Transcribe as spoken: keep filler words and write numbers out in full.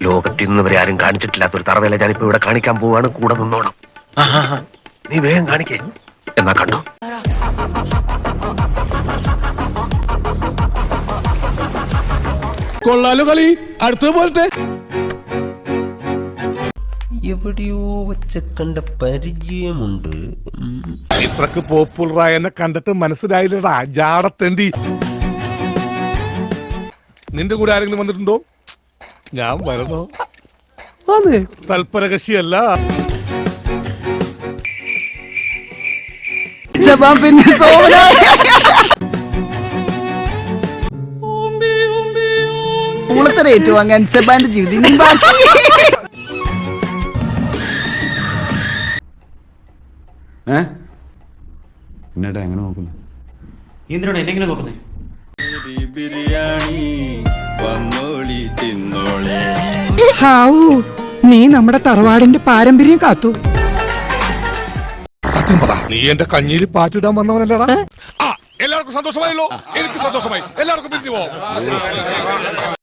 ലോകത്തിൽ നിന്ന് വരെ ആരും കാണിച്ചിട്ടില്ലാത്ത ഒരു തറവേല ഞാനിപ്പോ ഇവിടെ കാണിക്കാൻ പോവാണ്. കൂടെ നിന്നോണം. നീ വേഗം കാണിക്കേ. എന്നാ കണ്ടോ. കൊള്ളാലോ കളി. അടുത്തത് പോരട്ടെ. എവിടെയോ വെച്ച കണ്ട പരിചയമുണ്ട്. ഇത്രക്ക് പോപ്പുലറായ എന്നെ കണ്ടിട്ട് മനസ്സിലായില്ലടാ ജാടത്തേണ്ടി. നിന്റെ കൂടെ ആരെങ്കിലും വന്നിട്ടുണ്ടോ? ഞാൻ വരണോ? അതെ, തൽപരകക്ഷിയല്ല. ഏറ്റുവാങ്ങാൻ സെബാന്റെ ജീവിതം എന്നേട്ടാ എങ്ങനെ നോക്കുന്നു? എന്തിനാണ് എന്നെങ്ങനെ നോക്കുന്നേ? നീ നമ്മുടെ തറവാടിന്റെ പാരമ്പര്യം കാത്തു. സത്യം പറ, നീ എന്റെ കഞ്ഞിയിൽ പാറ്റിടാൻ വന്നവനല്ലടാ. എല്ലാവർക്കും സന്തോഷമായല്ലോ. എനിക്ക് സന്തോഷമായി. എല്ലാവർക്കും പിരിഞ്ഞു പോവാം.